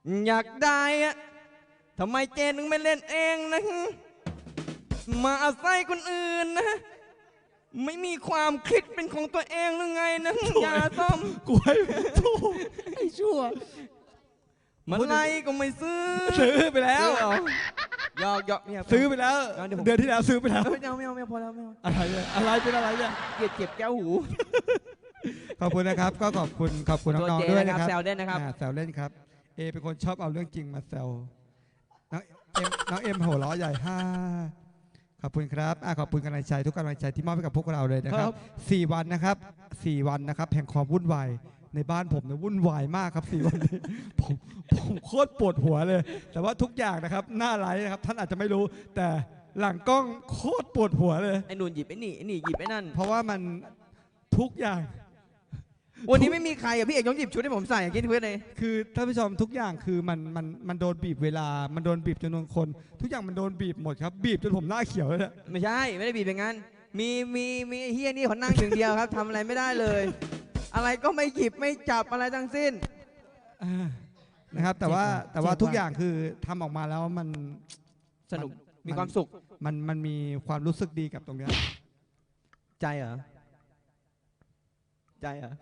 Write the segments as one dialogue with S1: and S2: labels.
S1: อยากได้อะทำไมเจนถึงไม่เล่นเองนะมาอาศัยคนอื่นนะไม่มีความคิดเป็นของตัวเองหรือไงนะยาส้ม
S2: กูให้ถูกไอ้ชั่ว
S1: มันไรก็ไม่ซื้อ
S2: ไปแล้ว
S1: ยอก
S2: ซื้อไปแล้วเดือนที่แล้วซื้อไปแล้ว
S1: ไม่เอาพอแล้วไม่เอา
S2: อะไรเป็นอะไรเนี่ย
S1: เจ็บแก้วหู
S2: ขอบคุณนะครับก็ขอบคุณน้องๆด้วยนะครับ
S1: แซวเล่นนะครับ
S2: แซวเล่นครับเป็นคนชอบเอาเรื่องจริงมาแซวน้องเอ็มหัวล้อใหญ่ขอบคุณครับขอบคุณกำลังใจทุกกำลังใจที่มอบให้กับพวกเราเลยนะครับ4 วันนะครับ4 วันนะครับแห่งความวุ่นวายในบ้านผมเนี่ยวุ่นวายมากครับ4 วันนี้ผมโคตรปวดหัวเลยแต่ว่าทุกอย่างนะครับหน้าไลฟ์นะครับท่านอาจจะไม่รู้แต่หลังกล้องโคตรปวดหัวเลย
S1: ไอ้นุ่นหยิบไอ้นี่หยิบไอ้นั่น
S2: เพราะว่ามันทุกอย่าง
S1: วันนี้ไม่มีใครพี่เอกต้องหยิบชุดให้ผมใส่อย่างที่เพื่อนเลย
S2: คือท่านผู้ชมทุกอย่างคือมันโดนบีบเวลามันโดนบีบจำนวนคนทุกอย่างมันโดนบีบหมดครับบีบจนผมหน้าเขียวเลย
S1: ไม่ใช่ไม่ได้บีบอย่างนั้นมีเฮียนี่เขานั่งอย่างเดียวครับทำอะไรไม่ได้เลยอะไรก็ไม่หยิบไม่จับอะไรทั้งสิ้น
S2: นะครับแต่ว่าทุกอย่างคือทำออกมาแล้วมัน
S1: สนุกมีความสุข
S2: มันมีความรู้สึกดีกับตรงนี้
S1: ใจเหรอใจเหร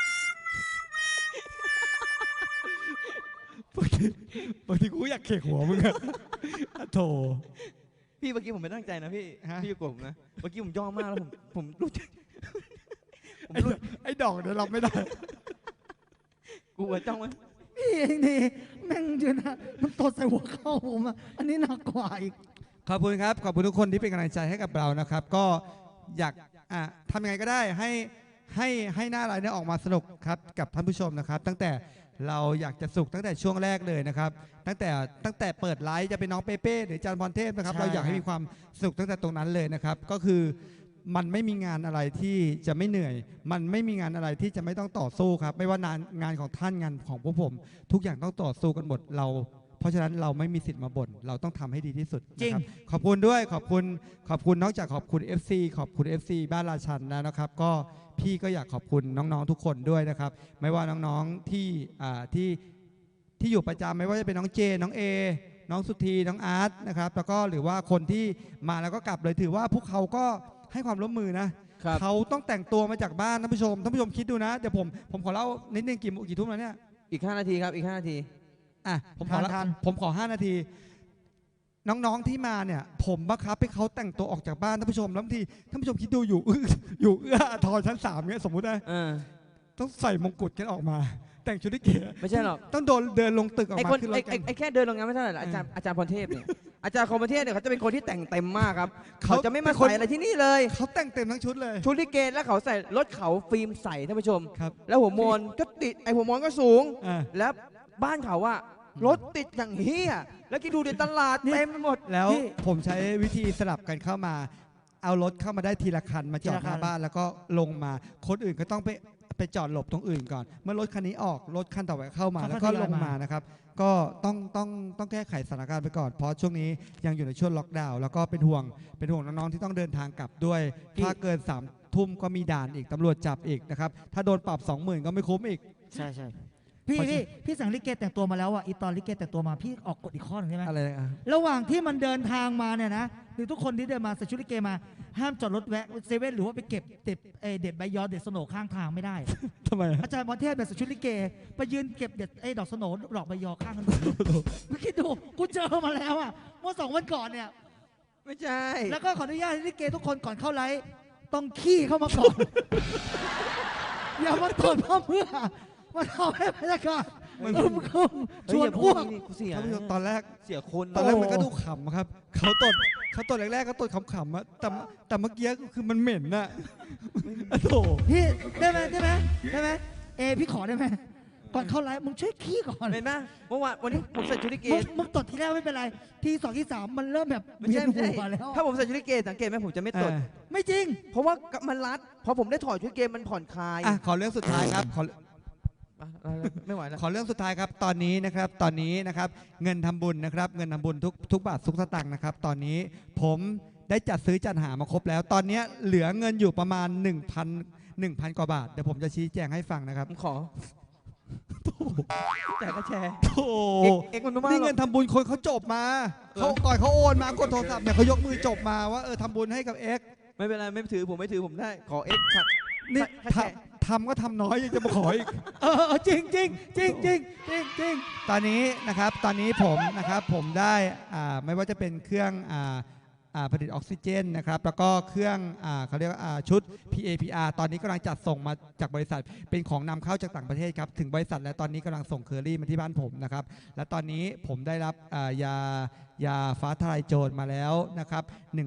S2: อบางทีกูอยากเขกหัวมึงอะโถ
S1: พี่เมื่อกี้ผมไม่ตั้งใจนะพี่อย่าโกรธผมนะเมื่อกี้ผมย่อมากแล้วผมรู้จัก
S2: ไอ้ดอกเดี๋ยวรับไม่ได้
S1: กูจ้องไว้
S3: พี่เองนี่แม่งเจอนะมันตดใส่หัวเข้าผมอ่ะอันนี้หนักกว่าอีก
S2: ขอบคุณครับขอบคุณทุกคนที่เป็นกำลังใจให้กับเรานะครับก็อยากทำยังไงก็ได้ให้หน้าไลน์นี้ออกมาสนุกครับกับท่านผู้ชมนะครับตั้งแต่เราอยากจะสุขตั้งแต่ช่วงแรกเลยนะครับตั้งแต่เปิดไลฟ์จะเป็นน้องเป้เป้หรือจันพรเทพนะครับเราอยากให้มีความสนุกตั้งแต่ตรงนั้นเลยนะครับก็คือมันไม่มีงานอะไรที่จะไม่เหนื่อยมันไม่มีงานอะไรที่จะไม่ต้องต่อสู้ครับไม่ว่างานของท่านงานของพวกผมทุกอย่างต้องต่อสู้กันหมดเพราะฉะนั้นเราไม่มีสิทธิ์มาบ่นเราต้องทำให้ดีที่สุดนะครับขอบคุณด้วยขอบคุณนอกจากขอบคุณ FC ขอบคุณ FC บ้านราชันแล้วนะครับก็พี่ก็อยากขอบคุณน้องๆทุกคนด้วยนะครับไม่ว่าน้องๆที่อยู่ประจำไม่ว่าจะเป็นน้องเจน้องเอน้องสุธีน้องอาร์ตนะครับแล้วก็หรือว่าคนที่มาแล้วก็กลับเลยถือว่าพวกเขาก็ให้ความร่วมมือนะเขาต้องแต่งตัวมาจากบ้านท่านผู้ชมคิดดูนะเดี๋ยวผมขอเล่านิดนึงกี่ทุ่มแล้วเนี่ย
S1: อีก5 นาทีครับอีก5 นาที
S2: ผมขอ5 นาทีน้องๆที่มาเนี่ยผมบังคับให้เขาแต่งตัวออกจากบ้านท่านผู้ชมแล้วบางทีท่านผู้ชมคิดดูอยู่เอื้อทอชั้น3เนี่ยสมมุตินะต้องใส่มงกุฎกันออกมาแต่งชุดที่เก๋
S1: ไม่ใช่หรอก
S2: ต้องเดินลงตึกออกมาขึ้นรถ
S1: ไอ้แค่เดินลงงานไม่เท่าไหร่อาจารย์พรเทพเนี่ยอาจารย์พรเทพเนี่ยเขาจะเป็นคนที่แต่งเต็มมากครับเขาจะไม่มาใส่อะไรที่นี่เลย
S2: เขาแต่งเต็มทั้งชุดเลย
S1: ชุดลิเกแล้วเขาใส่รถเขาฟิล์มใส่ท่านผู้ชมแล้วหัวมนก็ติดหัวมนก็สูงแล้วบ้านเขาว่ารถติดอย่างเฮียแล้วคิดดูในตลาดเต็มไปหมด
S2: แล้วผมใช้วิธีสลับกันเข้ามาเอารถเข้ามาได้ทีละคันมาจอดหน้าบ้านแล้วก็ลงมาคนอื่นก็ต้องไปจอดหลบตรงอื่นก่อนเมื่อรถคันนี้ออกรถคันต่อไปเข้ามาแล้วก็ลงมานะครับก็ต้องแก้ไขสถานการณ์ไปก่อนเพราะช่วงนี้ยังอยู่ในช่วงล็อกดาวน์แล้วก็เป็นห่วงน้องๆที่ต้องเดินทางกลับด้วยถ้าเกิน3 ทุ่มก็มีด่านอีกตำรวจจับอีกนะครับถ้าโดนปรับ 20,000 ก็ไม่คุ้มอีก
S3: ใช่พี่สั่งลิเกแต่งตัวมาแล้วอ่ะอีตอนลิเกแต่งตัวมาพี่ออกกฎอีกข้อนึงใช่ไหม
S2: อะไร
S3: ระหว่างที่มันเดินทางมาเนี่ยนะหรือทุกคนที่เดินมาใส่ชุดลิเกมาห้ามจอดรถแวะเซเว่นหรือว่าไปเก็บเด็ดใบยอเด็ดสโหนข้างทางไม่ได้
S2: ทำไม
S3: อาจารย์พรเทพแบบใส่ชุดลิเกไปยืนเก็บเด็ดดอกสโหนดอกใบยอข้างถนนไม่คิดดูกูเจอมาแล้วอ่ะเมื่อ2 วันก่อนเนี่ย
S1: ไม่ใช่
S3: แล้วก็ขออนุญาตลิเกทุกคนก่อนเข้าไลฟ์ต้องขี้เข้ามาก่อนอย่ามาตรวจเพื่อมาทำให้บรรยากาศชวนอ้วก
S2: ท่านผู้ชมตอนแรก
S1: เสียคน
S2: ตอนแรกมันก็ดูขำครับเขาตดแรกๆก็ตดขำๆอะแต่เมื่อกี้คือมันเหม็นน่ะโถ
S3: พี่ได้ไหมพี่ขอได้ไหมก่อนเข้าไลฟ์มึงช่วยขี้ก่อน
S1: เห็นไหมเมื่อวานวันนี้ผมใส่ชุดลิเก
S3: มึงตดทีแรกไม่เป็นไรที2 ที่ 3มันเริ่มแบบ
S1: ไม่ใช่แล้วถ้าผมใส่ชุดลิเกสังเกตไหมผมจะไม่ตด
S3: ไม่จริง
S1: เพราะว่ามันรัดพอผมได้ถอดชุดลิเกมันผ่อนคลาย
S2: ขอเรื่องสุดท้ายครับ
S1: ไม่ไหวแล้ว
S2: ขอเรื่องสุดท้ายครับตอนนี้นะครับเงินทำบุญนะครับเงินทำบุญทุกบาททุกสตางค์นะครับตอนนี้ผมได้จัดหามาครบแล้วตอนนี้เหลือเงินอยู่ประมาณ1,000 กว่าบาทเดี๋ยวผมจะชี้แจงให้ฟังนะครับ
S1: ขอแต่ก็แชร์
S2: โธ่
S1: เอ็กมันไม่มาก
S2: นี่
S1: หร
S2: เงิ
S1: อก
S2: นทำบุญคนเขาจบมาเขาก่อนเขาโอนมากดโทรศัพท์เนี่ยเขายกมือจบมาว่าทำบุญให้กับเอ็ก
S1: ไม่เป็นไรไม่ถือผมไม่ถือผมได้ขอเอ็กซ์
S2: นี่
S1: แชร์
S2: ทำก็ทำน้อยยังจะมาขออีก
S3: จริงจริงจริงจริงจริงจริง
S2: ตอนนี้นะครับตอนนี้ผมนะครับผมได้ไม่ว่าจะเป็นเครื่องผลิตออกซิเจนนะครับแล้วก็เครื่องเขาเรียกว่าชุด PAPR ตอนนี้กำลังจัดส่งมาจากบริษัทเป็นของนำเข้าจากต่างประเทศครับถึงบริษัทและตอนนี้กำลังส่งเคอรี่มาที่บ้านผมนะครับและตอนนี้ผมได้รับยาฟ้าทลายโจรมาแล้วนะครับ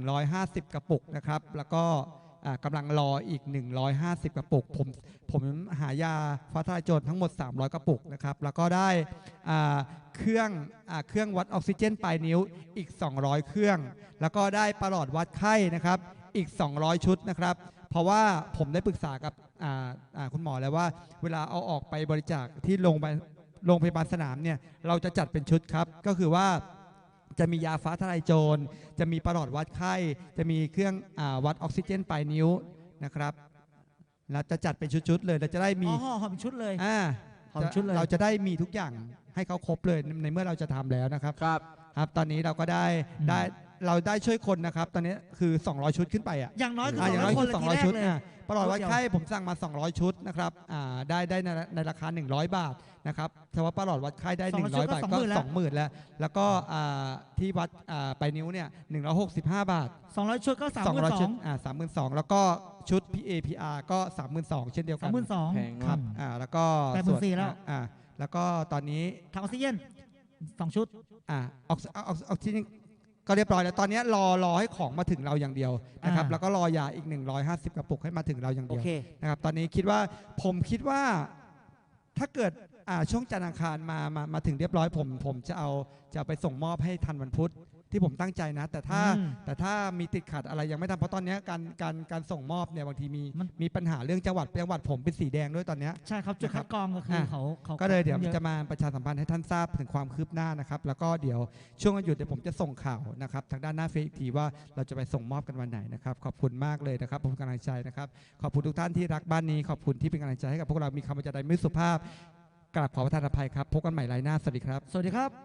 S2: 150 กระปุกนะครับแล้วก็กำลังรออีก150 กระปุกผมหายาฟ้าทลายโจรทั้งหมด300 กระปุกนะครับแล้วก็ได้เครื่องวัดออกซิเจนปลายนิ้วอีก200 เครื่องแล้วก็ได้ประหลอดวัดไข้นะครับอีก200 ชุดนะครับเพราะว่าผมได้ปรึกษากับคุณหมอแล้วว่าเวลาเอาออกไปบริจาคที่โรงพยาบาลสนามเนี่ยเราจะจัดเป็นชุดครับก็คือว่าจะมียาฟ้าทลายโจรจะมีประหลอดวัดไข้จะมีเครื่องวัดออกซิเจนปลายนิ้วนะครับเราจะจัดเป็นชุดๆเลยเราจะได้มี
S3: หอมชุดเลย หอม
S2: จะ
S3: ชุดเลย
S2: เราจะได้มีทุกอย่างให้เขาครบเลยในเมื่อเราจะทำแล้วนะครับ ครับตอนนี้เราก็ได้เราได้ช่วยคนนะครับตอนนี้คือ200 ชุดขึ้นไปอ่ะ
S3: อย่างน้อยคือ
S2: อย่างน้อย
S3: 200 คน
S2: คือ
S3: ละทีแร
S2: 200
S3: ก
S2: ชุด
S3: เลย
S2: ประหลอดวัดไข้ผมสั่งมา200 ชุดนะครับได้ในราคา100 บาทนะครับเฉพาะประหลอดวัดไข้ได้100 บาทก็ 20,000แล้วก็ที่วัดปลายนิ้วเนี่ย165 บาท
S3: 200 ชุดก็
S2: 200 ชุด
S3: 32,000
S2: 32,000แล้วก็ชุด PAPR ก็ 32,000 เช่นเดียวกัน
S3: 32,000
S1: แพง
S2: ครั
S1: มาก
S2: บแล้วก็
S3: 84,000แล้ว
S2: แล้วก็ตอนนี้
S3: ถังออกซิเจน2 ชุด
S2: ออกซิเจนก็เรียบร้อยแล้วตอนนี้รอให้ของมาถึงเราอย่างเดียวนะครับแล้วก็รอยาอีก150 กระปุกให้มาถึงเราอย่าง
S3: โอ
S2: เดียว
S3: เค
S2: นะครับตอนนี้ผมคิดว่าถ้าเกิดช่วงจันทร์อังคารมาถึงเรียบร้อยผมจะไปส่งมอบให้ทันวันพุธที่ผมตั้งใจนะแต่ถ้ามีติดขัดอะไรยังไม่ทำเพราะตอนนี้การส่งมอบเนี่ยบางทีมีปัญหาเรื่องจังหวัดผมเป็นสีแดงด้วยตอนนี้
S3: ใช่ครับจุดคัดกรองก็คือเขา
S2: ก็เลยเดี๋ยวจะมาประชาสัมพันธ์ให้ท่านทราบถึงความคืบหน้านะครับแล้วก็เดี๋ยวช่วงวันหยุดเดี๋ยวผมจะส่งข่าวนะครับทางด้านหน้าเฟซอีกทีว่าเราจะไปส่งมอบกันวันไหนนะครับขอบคุณมากเลยนะครับผมกำลังใจนะครับขอบคุณทุกท่านที่รักบ้านนี้ขอบคุณที่เป็นกำลังใจให้กับพวกเรามีคำบรรยายไม่สุภาพกราบขอประทานอภัยครับพบกันใหม่ไลน์หน้าสวัสดีครับ
S3: สวัสดีครับ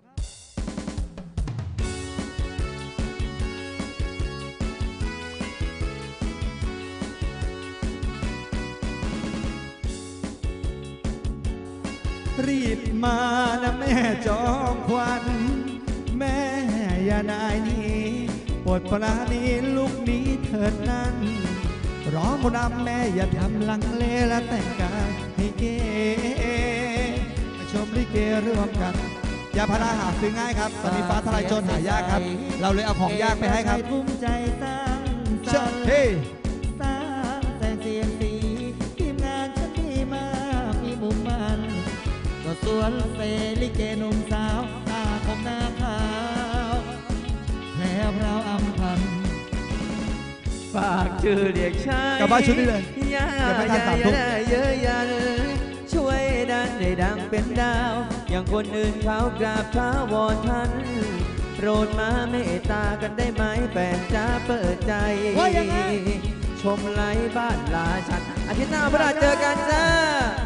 S2: รีบมานะแม่จอมควันแม่อย่านายนี้โปรดปราณีลูกนี้เถิดนั้นร้องรำแม่อย่าทำลังเลและแต่งกายให้เก๋มาชมลิเกร่วมกันยาพาราหาซื้อง่ายครับตอนนี้ฟ้าทลายโจรหายากครับเราเลยเอาของยากไปให้ครับ
S3: ภูมิใจสร้าง
S2: เชิ
S3: สร
S2: ญ
S3: รค์
S2: เฮ้
S3: สร้างแสงเสียงสีทีมงานฉันดีมากมีมุมมันก็สวนเซลิเกหนุ่มสาวตาคมหน้าขาวแพรวพราวอำพัน
S1: ฝากชื่อเรียกชาย
S2: กลับบ้านชุดนี้เลย
S1: อย่า
S2: เดี๋ยวไม่ทัน3 ทุ่ม
S1: เยอะยันช่วยดันให้ดังเป็นดาว อย่างคนอื่นเขากราบเท้าวอนท่านโปรดมาเมตตากันได้ไหมแฟนจ้าเปิดใจ
S3: ว่ายังไง
S1: ชมไลฟ์บ้านลาชันอาทิตย์หน้าพระราชเจอกันจ้า